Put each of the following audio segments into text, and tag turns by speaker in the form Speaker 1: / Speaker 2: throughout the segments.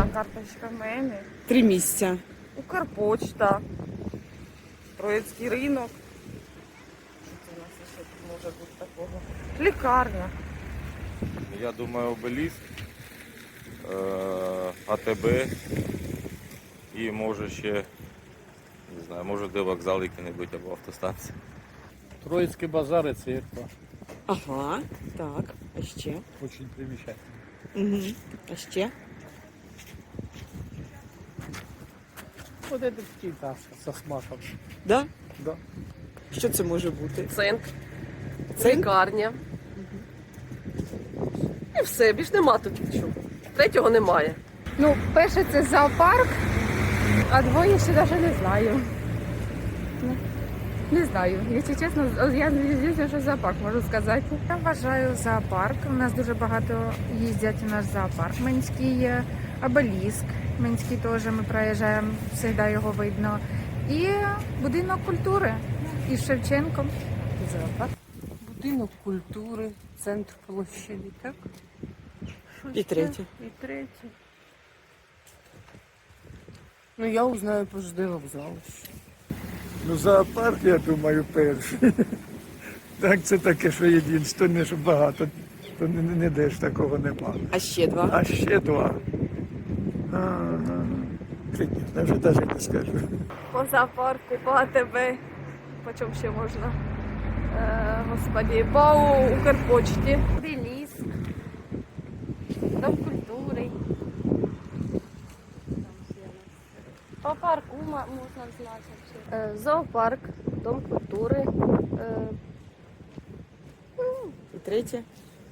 Speaker 1: карточка в мене.
Speaker 2: 3 місця.
Speaker 1: Укрпочта. Троїцький ринок. Що це у нас ще тут може бути такого? Лікарня.
Speaker 3: Я думаю, Обеліск, АТБ і може ще, не знаю, може де вокзал який-небудь або автостанція.
Speaker 4: Троицкий базар и церковь.
Speaker 2: Ага, так. А ще?
Speaker 4: Очень примечательно.
Speaker 2: Угу. А ще?
Speaker 4: Вот это пятиэтажка со смаком.
Speaker 2: Да?
Speaker 4: Да.
Speaker 2: Що це може бути?
Speaker 5: Цинк,
Speaker 2: Цинк?
Speaker 5: лікарня. І все, більш нема тут нічого. Третього немає.
Speaker 6: Ну, перше це зоопарк, а двоє ще навіть не знаю. Ну, не знаю. Якщо чесно, я звісно, що зоопарк можу сказати.
Speaker 7: Я вважаю зоопарк. У нас дуже багато їздять у наш зоопарк. Менський обеліск. Менський теж ми проїжджаємо, завжди його видно. І будинок культури із Шевченком.
Speaker 5: Зоопарк. Будинок культури, центр площади, так?
Speaker 2: І третє.
Speaker 5: І третє. Ну, я узнаю про ЖД вокзал.
Speaker 8: Ну, зоопарк, я думаю, перший. Так, це таке, що єдине, що багато, то ніде ж такого нема.
Speaker 2: А ще 2?
Speaker 8: А ще 2. Ага. Я вже навіть не скажу.
Speaker 1: По зоопарку, по АТБ. По чому ще можна? Господи, по Укрпочті. Обеліск. Дом культури.
Speaker 9: По парку можна значити.
Speaker 5: Зоопарк, дом культури.
Speaker 2: І третє?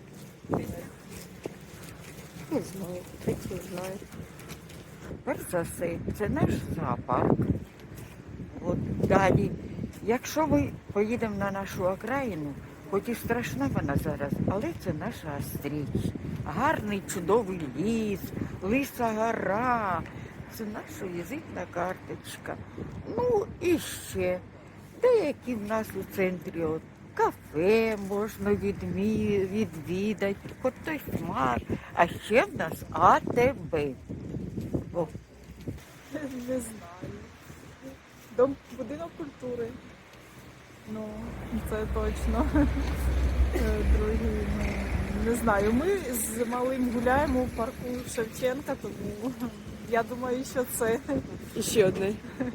Speaker 5: Не знаю, третє не знаю.
Speaker 10: Перш за все, це наш зоопарк. От далі, якщо ми поїдемо на нашу окраїну, хоч і страшна вона зараз, але це наша Остріч. Гарний, чудовий ліс, Лиса гора. Це наша візитна карточка. Ну і ще деякі в нас у центрі от, кафе можна відвідати, хоч той смак. А ще в нас АТБ. О.
Speaker 1: Не знаю. Будинок культури. Ну, це точно. Другий, ну, не знаю. Ми з малим гуляємо у парку Шевченка, тому я думаю, що це.
Speaker 2: І ще одне.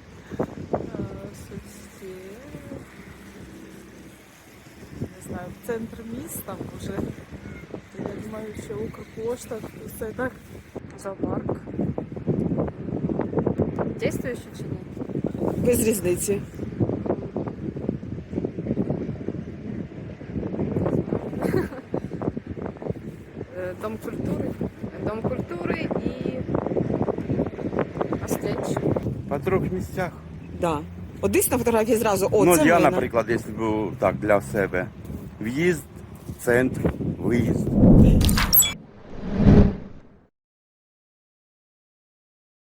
Speaker 1: Що ще? Не знаю, центр міста може. Я думаю, що Укрпошта, все так.
Speaker 6: Зоопарк. Дійствуючи чи ні?
Speaker 2: Без різниці.
Speaker 6: Дом культури. Дом культури і Остріч.
Speaker 3: По 3 місцях.
Speaker 2: Да. От десь на фотографії зразу, о,
Speaker 3: Ну,
Speaker 2: це
Speaker 3: я,
Speaker 2: мене.
Speaker 3: наприклад, якщо б так для себе. В'їзд, центр, виїзд.